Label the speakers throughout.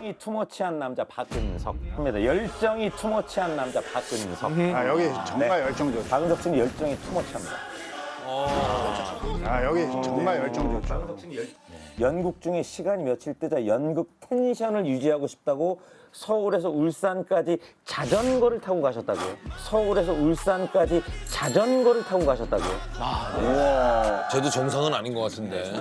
Speaker 1: 열정이 투머치한 남자 박근석입니다. 열정이 투머치한 남자 박근석.
Speaker 2: 아 여기 정말 열정 좋죠.
Speaker 1: 박근석 씨는 열정이 투머치합니다.
Speaker 2: 아 여기 정말 열정 좋죠.
Speaker 1: 연극 중에 시간이 며칠 뜨자 연극 텐션을 유지하고 싶다고 서울에서 울산까지 자전거를 타고 가셨다고요. 서울에서 울산까지 자전거를 타고 가셨다고요.
Speaker 3: 쟤도 정상은 아닌 것 같은데.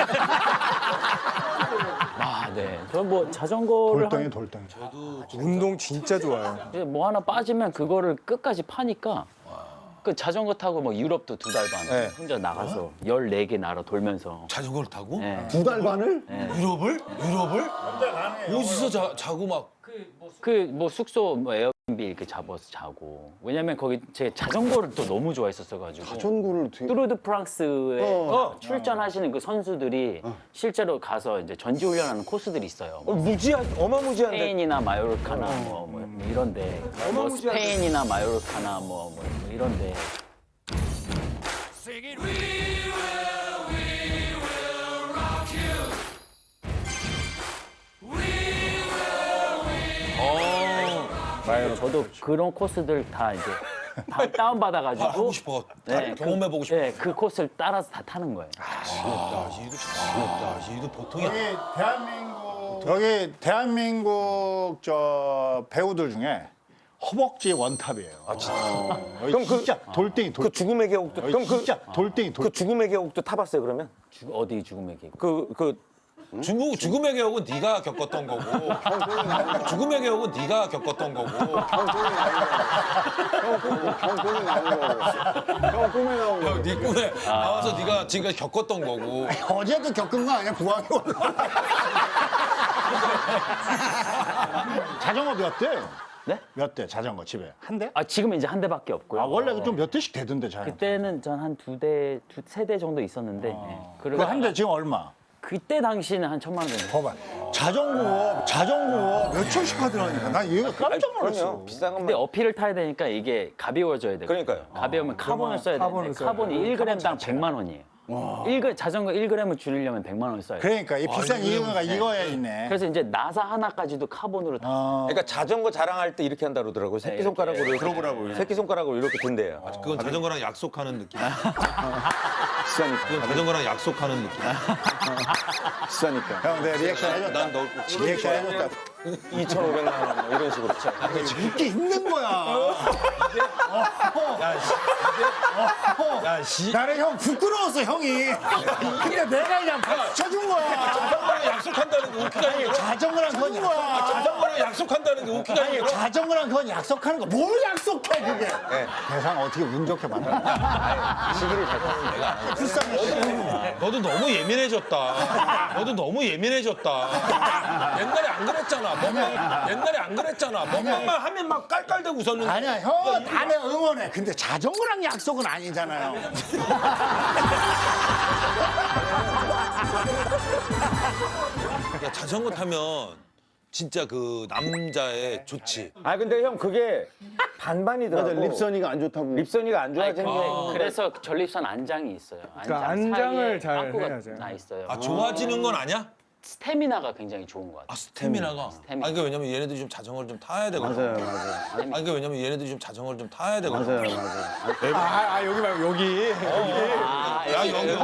Speaker 4: 아, 네. 저 뭐 자전거를
Speaker 2: 돌덩이 돌덩이.
Speaker 5: 운동 진짜 좋아요.
Speaker 4: 뭐 하나 빠지면 그거를 끝까지 파니까 그 자전거 타고 뭐 유럽도 2달 반
Speaker 1: 네.
Speaker 4: 혼자 나가서 14개 나라 돌면서
Speaker 3: 자전거를 타고?
Speaker 4: 네.
Speaker 1: 2달 반을?
Speaker 3: 유럽을? 유럽을? 어디서 자고 막.
Speaker 4: 그 뭐 숙소 뭐 에어비앤비 이렇게 잡아서 자고 왜냐면 거기 제 자전거를 또 너무 좋아했었어가지고
Speaker 5: 자전거를 되게
Speaker 4: 뚜르드 프랑스에 출전하시는 그 선수들이 실제로 가서 이제 전지훈련하는 코스들이 있어요.
Speaker 1: 어마무지한데.
Speaker 4: 스페인이나 마요르카나 뭐 이런데 뭐 스페인이나 마요르카나 뭐 이런데 저도 그런 코스들 다 이제 다 다운 받아가지고
Speaker 3: 하고 싶어. 경험해보고 싶어.
Speaker 4: 네, 그 코스를 따라서 다 타는 거예요.
Speaker 3: 얘도 보통이
Speaker 2: 여기 대한민국 저 배우들 중에 허벅지 원탑이에요. 아 진짜. 그럼 진짜 돌덩이 돌.
Speaker 1: 그 죽음의 계곡도 그럼 그
Speaker 2: 진짜 돌덩이 돌.
Speaker 1: 그 죽음의 계곡도 타봤어요 그러면?
Speaker 4: 어디 죽음의 계곡?
Speaker 1: 그
Speaker 3: 죽음의 계곡은 네가 겪었던 거고. 죽음의 계곡은 네가 겪었던 거고.
Speaker 5: 형 꿈에 나온 거예요. 형 꿈에 나온 거.
Speaker 3: 네 꿈에 나와서 네가 지금까지 겪었던 거고.
Speaker 2: 어제도 겪은 거 아니야 부항이 올라. 자전거 몇 대?
Speaker 4: 네?
Speaker 2: 몇 대? 자전거 집에 한 대?
Speaker 4: 아 지금은 이제 한 대밖에 없고요.
Speaker 2: 아 원래 좀 몇 대씩 되던데 자전거.
Speaker 4: 그때는 전 한 2대, 3대 정도 있었는데 예.
Speaker 2: 그 한 대 지금 얼마?
Speaker 4: 그때 당시는 한 1,000만 원 정도.
Speaker 2: 봐봐. 자전거 몇 천씩 하더라니까. 난 이거 깜짝 놀랐어.
Speaker 1: 그럼요. 비싼
Speaker 4: 근데
Speaker 1: 것만.
Speaker 4: 어필을 타야 되니까 이게 가벼워져야 돼요.
Speaker 1: 그러니까요.
Speaker 4: 가벼우면 카본을 써야 되는데 카본이 1g당 100만 원이에요. 자전거 1g을 줄이려면 100만 원을 써야 돼요.
Speaker 2: 그러니까 이 비싼 이유가 이거에 있네.
Speaker 4: 그래서 이제 나사 하나까지도 카본으로 다.
Speaker 1: 그러니까 자전거 자랑할 때 이렇게 한다 그러더라고요. 새끼손가락으로 들어보라고. 새끼손가락으로 이렇게 든대요.
Speaker 3: 그건 자전거랑 약속하는 느낌.
Speaker 1: 비싸니까.
Speaker 3: 그건 자전거랑 약속하는 느낌.
Speaker 1: 비싸니까.
Speaker 2: 형, 내 리액션 해줬다.
Speaker 3: 난 너
Speaker 2: 리액션 해줬다.
Speaker 1: 2,500만 원 뭐 이런 식으로.
Speaker 2: 웃기 힘든 거야.
Speaker 3: 야, 씨.
Speaker 2: 나는 형 부끄러웠어, 형이. 근데 내가 그냥 박수 쳐준 거야.
Speaker 3: 자전거랑 약속한다는 게 웃기가 아니고.
Speaker 2: 자전거랑 그건 약속한
Speaker 3: 자전거랑 약속한다는 게 웃기가 아니고.
Speaker 2: 자전거랑 그건 약속하는 거. 뭘 약속해, 그게. 대상 어떻게 운 좋게 만나.
Speaker 1: 시기를 잘 타는 내가.
Speaker 2: 불쌍해.
Speaker 3: 너도 너무 예민해졌다. 너도 너무 예민해졌다. 옛날에 안 그랬잖아. 옛날에 안 그랬잖아. 먹방만 하면 막 깔깔대고 웃었는데.
Speaker 2: 아니야, 형은 다 내가 응원해. 근데 자전거랑 약속은 아니잖아요.
Speaker 3: 야, 자전거 타면 진짜 그 남자의 좋지.
Speaker 1: 아 근데 형 그게 반반이더라고.
Speaker 5: 맞아, 립선이가 안 좋다고.
Speaker 1: 립선이가 안
Speaker 4: 아니,
Speaker 1: 좋아지는 게.
Speaker 4: 그래서 전립선 안장이 있어요.
Speaker 5: 그러니까 안장을
Speaker 4: 사이에
Speaker 5: 잘
Speaker 4: 빵꾸가
Speaker 5: 해야죠.
Speaker 4: 나 있어요.
Speaker 3: 아, 좋아지는 건 아니야?
Speaker 4: 스태미나가 굉장히 좋은 것 같아요.
Speaker 3: 아, 스태미나가.
Speaker 4: 스태미나.
Speaker 3: 아니, 그러니까 왜냐면 얘네들이 좀 자전거를 좀 타야 되거든.
Speaker 5: 맞아요.
Speaker 3: 아니, 그러니까 왜냐면 얘네들이 좀 자전거를 좀 타야 되거든.
Speaker 5: 맞아요. 아, 여기 말고 여기.
Speaker 3: 야, 여기.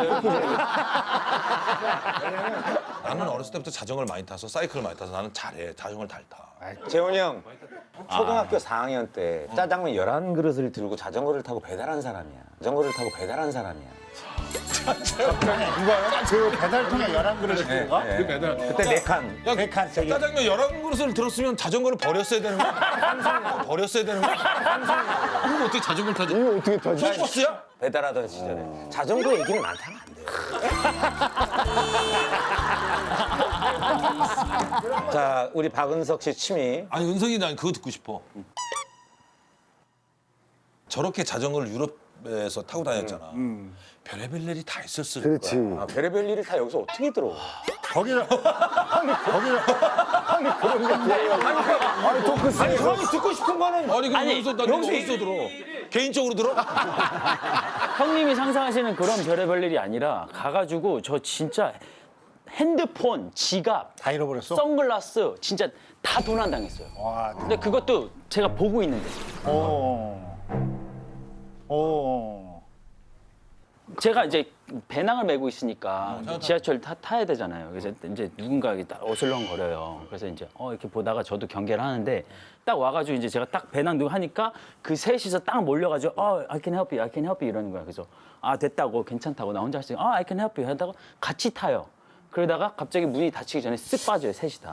Speaker 3: 나는 어렸을 때부터 자전거를 많이 타서 사이클을 많이 타서 나는 잘해. 자전거를 잘 타.
Speaker 1: 재원이 형 초등학교 4학년 때 짜장면 11그릇을 들고 자전거를 타고 배달한 사람이야. 자전거를 타고 배달한 사람이야.
Speaker 2: 이거요? 그 배달통에 11그릇 네, 가
Speaker 1: 그때 4칸.
Speaker 3: 야,
Speaker 2: 네 칸, 저기.
Speaker 3: 짜장면 11그릇을 들었으면 자전거를 버렸어야 되는 거야. 버렸어야 되는 거야. 그럼 어떻게 자전거를 타지?
Speaker 5: 이거 어떻게 타지?
Speaker 3: 버스야?
Speaker 1: 배달하던 시절에. 자전거 얘기는 안 타면 안 돼요. 자, 우리 박은석 씨 취미.
Speaker 3: 아니, 은석이 난 그거 듣고 싶어. 저렇게 자전거를 유럽에서 타고 다녔잖아. 별의별 일이 다 있었을 거야.
Speaker 5: 그렇지.
Speaker 1: 아, 별의별 일을 다 여기서 어떻게 들어?
Speaker 2: 거기서
Speaker 1: 아니, 토크 아니, 형이 듣고 싶은 거는
Speaker 3: 아니, 그럼 여기서 나 여기서 들어. 개인적으로 들어?
Speaker 4: 형님이 상상하시는 그런 별의별 일이 아니라 가가지고 저 진짜 핸드폰, 지갑,
Speaker 2: 다 잃어버렸어?
Speaker 4: 선글라스 진짜 다 도난당했어요.
Speaker 2: 와,
Speaker 4: 근데 그것도 제가 보고 있는데 제가 이제 배낭을 메고 있으니까 지하철 타야 되잖아요. 그래서 이제 누군가 이렇게 딱 어슬렁거려요. 그래서 이제 이렇게 보다가 저도 경계를 하는데 딱 와가지고 이제 제가 딱 배낭 들고 하니까 그 셋이서 딱 몰려가지고 I can help you, I can help you 이러는 거야. 그래서 됐다고 괜찮다고 나 혼자 할 수 있어. I can help you 하다가 같이 타요. 그러다가 갑자기 문이 닫히기 전에 쓱 빠져요, 셋이 다.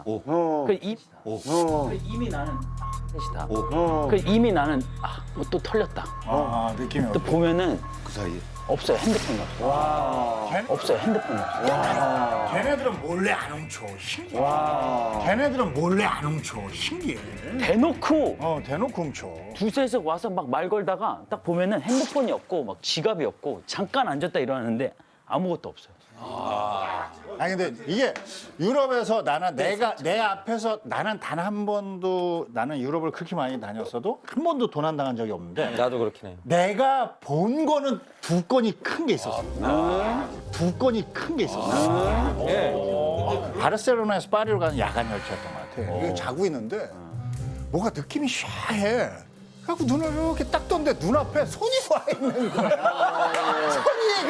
Speaker 4: 이미 나는 셋이 다. 이미 나는 뭐 또 털렸다.
Speaker 2: 느낌이
Speaker 4: 또 보면은
Speaker 5: 그 사이에.
Speaker 4: 없어요, 핸드폰이 없어요. 없어요, 핸드폰이 없어요.
Speaker 2: 걔네들은 몰래 안 훔쳐. 신기해. 걔네들은 몰래 안 훔쳐. 신기해.
Speaker 4: 대놓고
Speaker 2: 대놓고 훔쳐.
Speaker 4: 두셋이서 와서 막 말 걸다가 딱 보면은 핸드폰이 없고 막 지갑이 없고 잠깐 앉았다 일어나는데 아무것도 없어요.
Speaker 2: 아니 근데 이게 유럽에서 나는 내 앞에서 나는 단 한 번도 나는 유럽을 그렇게 많이 다녔어도 한 번도 도난 당한 적이 없는데
Speaker 1: 나도 그렇긴 해요.
Speaker 2: 내가 본 거는 두 건이 큰 게 있었어. 두 건이 큰 게 있었어. 바르셀로나에서 파리로 가는 야간 열차였던 것 같아. 이거 자고 있는데 뭐가 느낌이 샤해. 그래갖고 눈을 이렇게 딱 떴는데 눈앞에 손이 와 있는 거야. 손이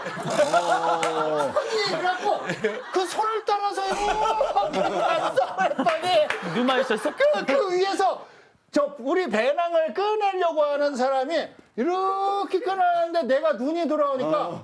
Speaker 2: 그래갖고 그 손을 따라서 이렇게 갔어 했더니
Speaker 4: 누마 있었어?
Speaker 2: 그 위에서 우리 배낭을 꺼내려고 하는 사람이 이렇게 꺼내는데 내가 눈이 돌아오니까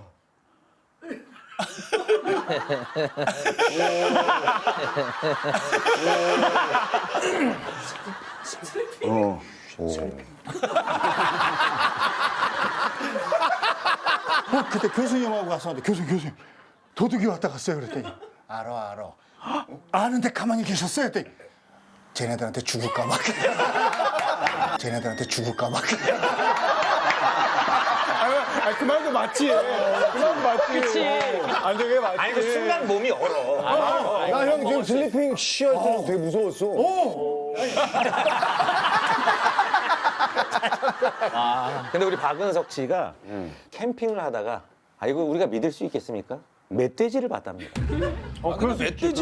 Speaker 2: 그때 교수님하고 갔었는데 교수님 도둑이 왔다 갔어요 그랬더니 알아 아는데 가만히 계셨어요 했더니 쟤네들한테 죽을까 봐
Speaker 5: 그 말도 맞지. 그 말도 맞지.
Speaker 4: 그치.
Speaker 5: 아니, 저게 맞지.
Speaker 1: 아니 그 순간 몸이 얼어.
Speaker 5: 나 형 지금 슬리핑 쉬할 때는 되게 무서웠어.
Speaker 1: 근데 우리 박은석 씨가 캠핑을 하다가 이거 우리가 믿을 수 있겠습니까? 멧돼지를 봤답니다.
Speaker 3: 근데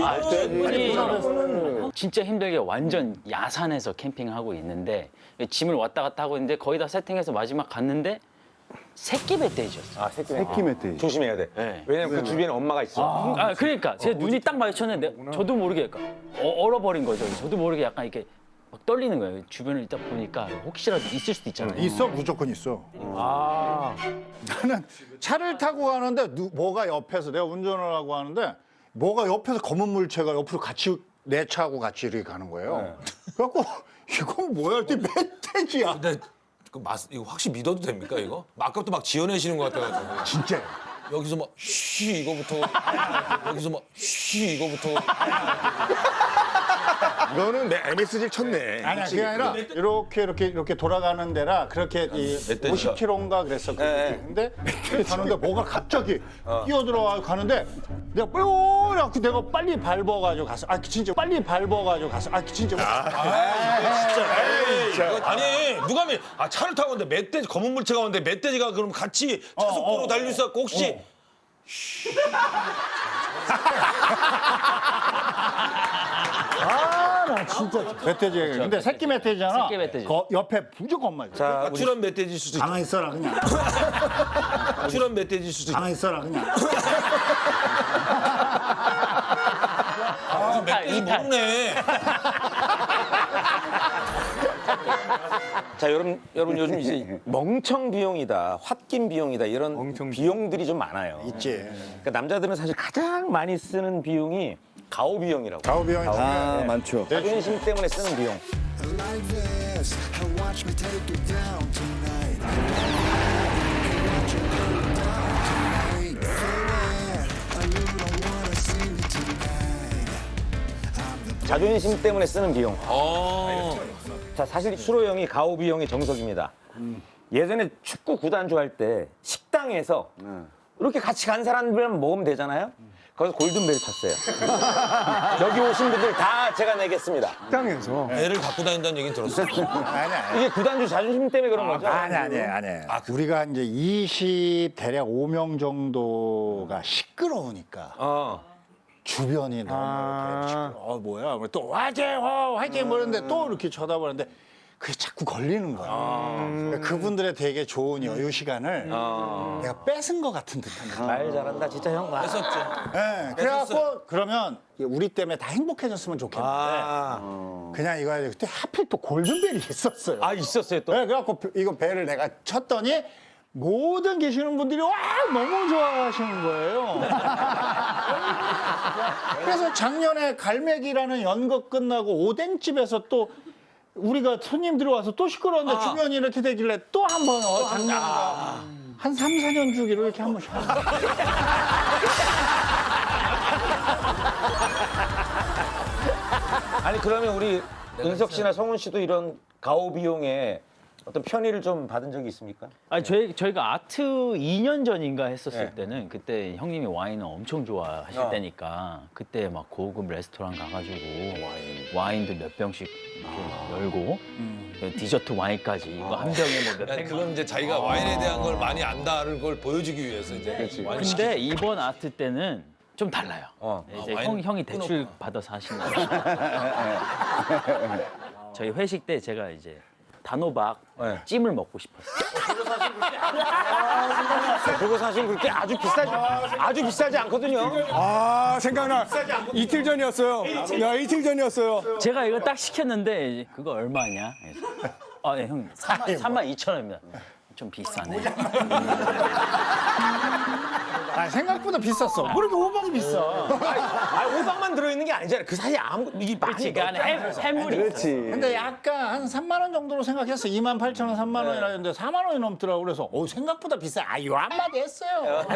Speaker 3: 멧돼지.
Speaker 4: 진짜 힘들게 완전 야산에서 캠핑을 하고 있는데 짐을 왔다 갔다 하고 있는데 거의 다 세팅해서 마지막 갔는데 새끼 멧돼지였어.
Speaker 5: 새끼 멧돼지.
Speaker 1: 조심해야 돼.
Speaker 4: 네.
Speaker 1: 왜냐면 그 주변에 엄마가 있어.
Speaker 4: 그러니까 제 눈이 딱 마주쳤는데 저도 모르게 약간 얼어버린 거죠. 저도 모르게 약간 이렇게 막 떨리는 거예요. 주변을 딱 보니까 혹시라도 있을 수도 있잖아요.
Speaker 2: 있어 무조건 있어. 나는 차를 타고 가는데 뭐가 옆에서 내가 운전을 하고 하는데 뭐가 옆에서 검은 물체가 옆으로 같이 내 차하고 같이 이렇게 가는 거예요. 그래갖고 이건 뭐야 했더니 멧돼지야.
Speaker 3: 근데 이거 확실히 믿어도 됩니까 이거? 아까부터 막 지어내시는 것 같아가지고.
Speaker 2: 진짜.
Speaker 3: 여기서 막 쉬 이거부터 여기서 막 쉬 이거부터
Speaker 5: 이거는 내 MSG 쳤네.
Speaker 2: 아니야 그게 아니라 이렇게 돌아가는 데라 그렇게 이
Speaker 3: 멧돼지가.
Speaker 2: 50km인가 그랬어. 근데 가는데 뭐가 갑자기 뛰어들어와 가는데 내가 뾰라고 내가 빨리 밟아가지고 갔어. 진짜 빨리 밟아가지고 갔어. 진짜.
Speaker 3: 아니 누가 차를 타고 오는데 멧돼지 검은 물체가 오는데 멧돼지가 그럼 같이 차속도로 달릴 수 있고 혹시
Speaker 2: 나 진짜 멧돼지가 근데 새끼 멧돼지잖아.
Speaker 4: 새끼 멧돼지.
Speaker 2: 옆에 무조건 엄마.
Speaker 1: 자, 우리
Speaker 3: 가출한 멧돼지일 수도 있고
Speaker 2: 가만히 있어라 그냥.
Speaker 3: 가출한 멧돼지일 수도 있고
Speaker 2: 가만히 있어라 그냥.
Speaker 3: 멧돼지 모르네.
Speaker 1: 자, 여러분 요즘 이제 멍청 비용이다, 홧김 비용이다 이런 비용들이 좀 많아요.
Speaker 2: 있지.
Speaker 1: 그러니까 남자들은 사실 가장 많이 쓰는 비용이 가오 비용이라고.
Speaker 2: 가오 비용이
Speaker 5: 많죠.
Speaker 1: 자존심 때문에 쓰는 비용.
Speaker 6: like this and watch me take it down tonight.
Speaker 1: 자존심 때문에 쓰는 비용. 자, 사실 수로 형이 가오 비용이 정석입니다. 예전에 축구 구단주 할 때 식당에서 이렇게 같이 간 사람들만 먹으면 되잖아요. 거기서 골든벨 쳤어요. 여기 오신 분들 다 제가 내겠습니다.
Speaker 5: 식당에서.
Speaker 3: 애를 갖고 다닌다는 얘기는 들었어.
Speaker 2: 아니.
Speaker 1: 이게 구단주 자존심 때문에 그런 거죠?
Speaker 2: 아니. 우리가 이제 20 대략 5명 정도가 시끄러우니까 주변이 너무 이렇게 뭐야 또 화이팅 화이팅 그러는데 또 이렇게 쳐다보는데 그게 자꾸 걸리는 거야. 그러니까 그분들의 되게 좋은 여유 시간을 내가 뺏은 것 같은 듯한 느낌.
Speaker 1: 말 잘한다 진짜 형.
Speaker 3: 했었죠.
Speaker 2: 네, 그래갖고 그러면 우리 때문에 다 행복해졌으면 좋겠는데 그냥 이거 해야 돼. 그때 하필 또 골든벨이 있었어요.
Speaker 1: 아 있었어요 또.
Speaker 2: 네, 그래갖고 이거 벨을 내가 쳤더니 모든 계시는 분들이 와 너무 좋아하시는 거예요. 그래서 작년에 갈매기라는 연극 끝나고 오뎅집에서 또 우리가 손님들이 와서 또 시끄러웠는데 주변이 이렇게 되길래 또 한 번 작년에 한 3, 4년 주기로 이렇게 한 번씩 하는 거예요.
Speaker 1: 아니 그러면 우리 은석 씨나 성훈 씨도 이런 가오 비용에 어떤 편의를 좀 받은 적이 있습니까?
Speaker 4: 아니 저희가 아트 2년 전인가 했었을
Speaker 1: 네.
Speaker 4: 때는 그때 형님이 와인을 엄청 좋아하실
Speaker 1: 어.
Speaker 4: 때니까 그때 막 고급 레스토랑 가가지고 와인도 몇 병씩 이렇게 열고 디저트 와인까지 이거 한 병에 뭐 몇
Speaker 3: 아니,
Speaker 4: 백만.
Speaker 3: 그건 이제 자기가 와인에 대한 걸 많이 안다는 걸 보여주기 위해서 이제 와인
Speaker 4: 근데 이번 아트 때는 좀 달라요. 이제
Speaker 3: 와인
Speaker 4: 형이 대출 받아서 하신다. 저희 회식 때 제가 이제 단호박
Speaker 1: 네.
Speaker 4: 찜을 먹고 싶었어요.
Speaker 1: 그거 사실 그렇게 아주 비싸지 않거든요.
Speaker 5: 아 생각나. 이틀 전이었어요. 야 이틀 전이었어요.
Speaker 4: 제가 이거 딱 시켰는데 이제 그거 얼마냐? 그래서 네, 형 32,000원입니다. 좀 비싸네.
Speaker 2: 아, 생각보다 비쌌어. 뭐 이렇게 호박이 비싸.
Speaker 1: 아 호박만 들어있는 게 아니잖아요. 그 사이에 아무 이게
Speaker 4: 그렇지, 그 안에 해물이 있어.
Speaker 2: 근데 약간 한 3만 원 정도로 생각했어. 28,000원, 3만 원이라 했는데 4만 원이 넘더라고. 그래서 생각보다 비싸. 요 한마디 했어요.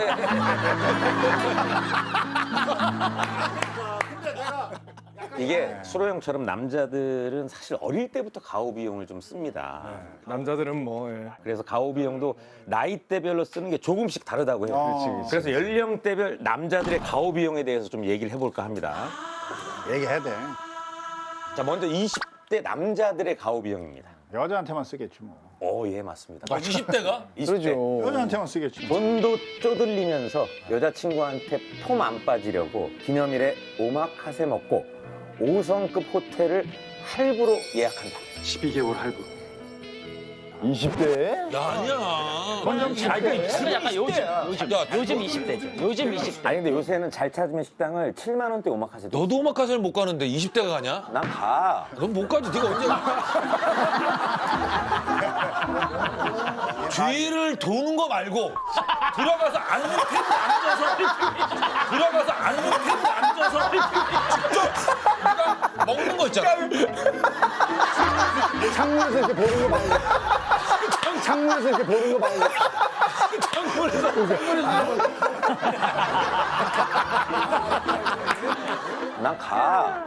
Speaker 1: 이게 수로 형처럼 남자들은 사실 어릴 때부터 가오 비용을 좀 씁니다.
Speaker 5: 남자들은 뭐. 예.
Speaker 1: 그래서 가오 비용도 나이대별로 쓰는 게 조금씩 다르다고 해요. 그래서 연령대별 남자들의 가오 비용에 대해서 좀 얘기를 해볼까 합니다.
Speaker 2: 얘기해야 돼.
Speaker 1: 자 먼저 20대 남자들의 가오 비용입니다.
Speaker 2: 여자한테만 쓰겠지 뭐.
Speaker 1: 예 맞습니다.
Speaker 3: 20대가
Speaker 1: 20대
Speaker 2: 여자한테만 쓰겠지 뭐.
Speaker 1: 돈도 쪼들리면서 여자친구한테 폼 안 빠지려고 기념일에 오마카세 먹고 5성급 호텔을 할부로 예약한다.
Speaker 5: 12개월 할부. 20대?
Speaker 3: 야 아니야.
Speaker 4: 그래 약간 요즘 20대죠. 요즘 20대.
Speaker 1: 아니 근데 요새는 잘 찾으면 식당을 7만 원대 오마카세도.
Speaker 3: 너도 오마카세를 못 가는데 20대가 가냐?
Speaker 1: 난 가.
Speaker 3: 넌 못 가지. 네가 언제 가? 뒤를 도는 거 말고 들어가서 앉는 텐트 앉아서 직접 네가 먹는 거 있잖아.
Speaker 5: 창문에서 이렇게 보는 거 말고. 창문에서 이렇게 보는 거 말고.
Speaker 1: 난 가.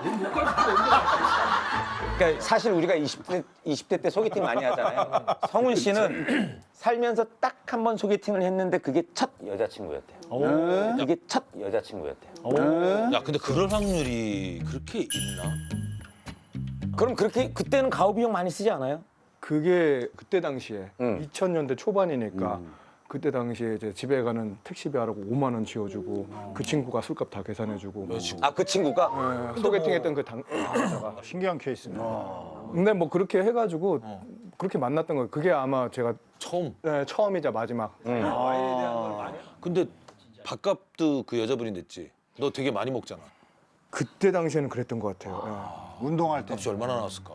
Speaker 1: 그러니까 사실 우리가 20대 때 소개팅 많이 하잖아요. 성훈 씨는 살면서 딱 한 번 소개팅을 했는데 그게 첫 여자친구였대요. 이게 첫 여자친구였대요.
Speaker 3: 야 근데 그럴 확률이 그렇게 있나?
Speaker 1: 그럼 그렇게 그때는 가오 비용 많이 쓰지 않아요?
Speaker 5: 그게 그때 당시에 2000년대 초반이니까
Speaker 1: 음.
Speaker 5: 그때 당시에 이제 집에 가는 택시비 하라고 5만 원 지어주고 그 친구가 술값 다 계산해주고.
Speaker 1: 아 그 친구가?
Speaker 5: 소개팅했던 그 당사자가.
Speaker 2: 신기한 케이스네.
Speaker 5: 근데 뭐 그렇게 해가지고 그렇게 만났던 거예요. 그게 아마 제가
Speaker 3: 처음.
Speaker 5: 처음이자 마지막.
Speaker 3: 근데 밥값도 그 여자분이 냈지. 너 되게 많이 먹잖아.
Speaker 5: 그때 당시에는 그랬던 것 같아요.
Speaker 2: 운동할 때
Speaker 3: 값이 얼마나 나왔을까?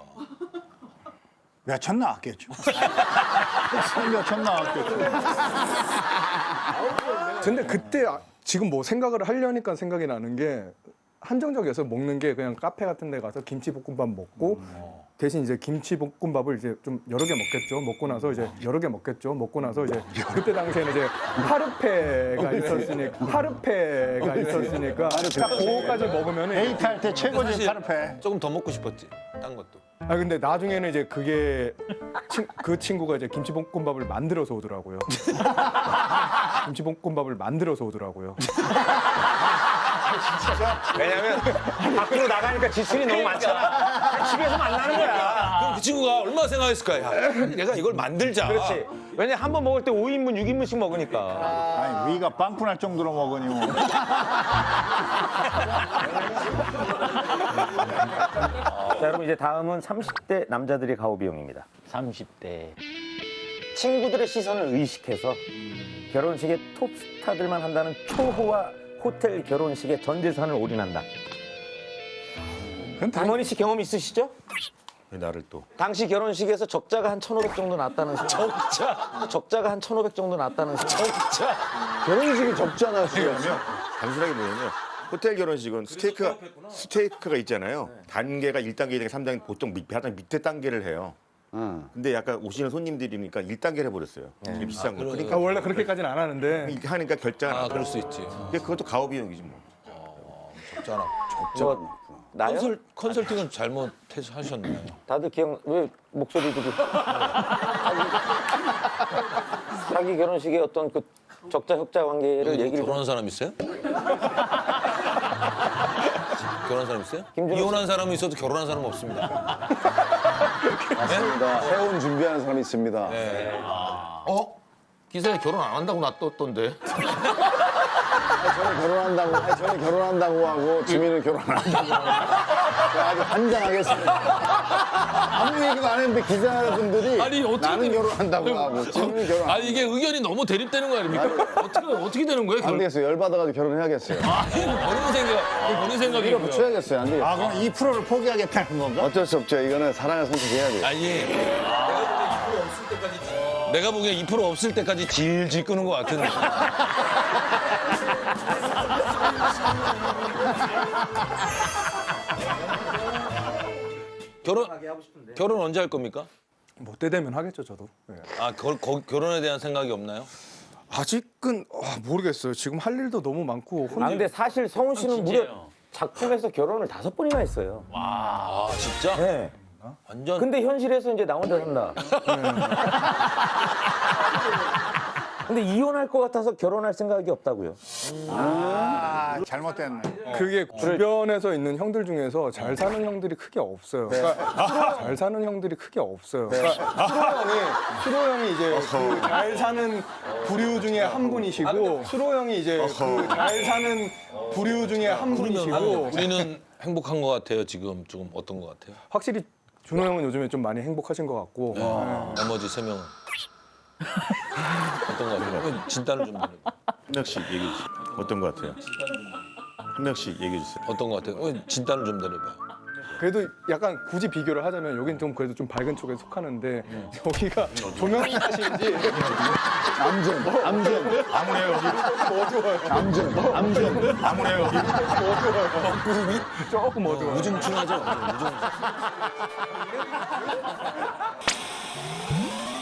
Speaker 2: 몇천 나왔겠죠. 몇천 나왔겠죠.
Speaker 5: 근데 그때 지금 뭐 생각을 하려니까 생각이 나는 게 한정적이어서 먹는 게 그냥 카페 같은 데 가서 김치볶음밥 먹고 대신 이제 김치볶음밥을 이제 좀 여러 개 먹겠죠. 먹고 나서 이제 여러 개 먹겠죠. 먹고 나서 이제 그때 당시에는 이제 파르페가 있었으니까 딱 그거까지 먹으면
Speaker 2: 데이트 할 때 최고지
Speaker 3: 사실
Speaker 2: 파르페.
Speaker 3: 조금 더 먹고 싶었지. 딴 것도.
Speaker 5: 근데 나중에는 이제 그게 그 친구가 이제 김치볶음밥을 만들어서 오더라고요. 김치볶음밥을 만들어서 오더라고요.
Speaker 1: 왜냐면 밖으로 나가니까 지출이 너무 많잖아. 집에서 만나는 거야.
Speaker 3: 그럼 그 친구가 얼마나 생각했을까? 야, 내가 이걸 만들자.
Speaker 1: 그렇지. 왜냐 한 번 먹을 때 5인분, 6인분씩 먹으니까.
Speaker 2: 아니 위가 빵꾸 날 정도로 먹으니 뭐.
Speaker 1: 이제 다음은 30대 남자들의 가오 비용입니다.
Speaker 4: 30대.
Speaker 1: 친구들의 시선을 의식해서 결혼식에 톱스타들만 한다는 초호화 호텔 결혼식에 전 재산을 올인한다. 이모니 씨 경험 있으시죠?
Speaker 7: 나를 또
Speaker 1: 당시 결혼식에서 적자가 한 1,500 정도 났다는 적자가 한 1,500 정도 났다는
Speaker 7: 결혼식이 적잖아 지금. 단순하게 뭐냐면 호텔 결혼식은 스테이크가 있잖아요. 단계가 1단계, 2단계, 3단계 보통 가장 밑에 단계를 해요. 근데 약간 오시는 손님들이니까 1단계를 해버렸어요. 되게 비싼 거. 그러니까
Speaker 5: 원래 그렇게까지는 안 하는데
Speaker 7: 이렇게 하니까 결제가 안
Speaker 3: 그럴 수 있지.
Speaker 7: 근데 그것도 가오 비용이지 뭐.
Speaker 3: 적잖아.
Speaker 1: 뭐, 나요?
Speaker 3: 컨설팅은 잘못하셨네.
Speaker 1: 다들 왜 목소리들이 자기 결혼식에 어떤 그 적자 흑자 관계를 얘기를 좀
Speaker 3: 결혼한 사람 있어요? 결혼한 사람 있어요?
Speaker 1: 김준호
Speaker 3: 이혼한 사람은 있어도 결혼한 사람은 없습니다.
Speaker 8: 세혼 준비하는 사람이 있습니다.
Speaker 3: 기사에 결혼 안 한다고 놔뒀던데.
Speaker 8: 저는 결혼한다고 하고 지민은 결혼 안 한다고 하고 아주 환장하겠습니다. 아무 얘기도 안 했는데 기자분들이
Speaker 3: 아니, 어떻게
Speaker 8: 나는
Speaker 3: 된-
Speaker 8: 결혼한다고 하고 지민은 결혼 안
Speaker 3: 아니 이게 의견이 너무 대립되는 거 아닙니까? 어떻게 되는 거예요?
Speaker 8: 안 되겠어요. 열받아가지고 결혼해야겠어요.
Speaker 3: 본인 생각이고요.
Speaker 8: 붙여야겠어요. 안 되겠어요.
Speaker 2: 아, 그럼 2%를 포기하겠다는 건가?
Speaker 8: 어쩔 수 없죠. 이거는 사랑을 선택해야 돼요.
Speaker 3: 아니 내가 보기엔 2% 없을 때까지 질질 끄는 것 같은데. 결혼 언제 할 겁니까?
Speaker 5: 뭐 때 되면 하겠죠 저도. 예.
Speaker 3: 아 결혼에 대한 생각이 없나요?
Speaker 5: 아직은 모르겠어요. 지금 할 일도 너무 많고
Speaker 1: 아 근데 사실 성훈 씨는 무려
Speaker 4: 진짜요?
Speaker 1: 작품에서 결혼을 5번이나 했어요.
Speaker 3: 아 진짜?
Speaker 1: 네.
Speaker 3: 완전
Speaker 1: 근데 현실에서 이제 나 혼자 산다. 근데 이혼할 것 같아서 결혼할 생각이 없다고요.
Speaker 2: 아, 잘못됐네.
Speaker 5: 그게 주변에서 있는 형들 중에서 잘 사는 형들이 크게 없어요. 그러니까 잘 사는 형들이 크게 없어요. 그러니까 수로 형이 이제 그 잘 사는 부류 중에 한 분이시고 수로 형이 이제 그 잘 사는 부류 중에 한 분이시고
Speaker 3: 우리는 행복한 것 같아요. 지금 조금 어떤 것 같아요?
Speaker 5: 확실히 준호 형은 요즘에 좀 많이 행복하신 것 같고
Speaker 3: 나머지 3명은 어떤 것 같아요? 진단을 좀 해봐요.
Speaker 7: 한 명씩 얘기해 주세요. 어떤 것 같아요? 한 명씩 얘기해 주세요.
Speaker 3: 어떤 것 같아요? 진단을 좀 내려봐요.
Speaker 5: 그래도 약간 굳이 비교를 하자면 여긴 좀 그래도 좀 밝은 쪽에 속하는데 여기가 조명이 탓인지 조금 어두워요.
Speaker 3: 우중충하죠?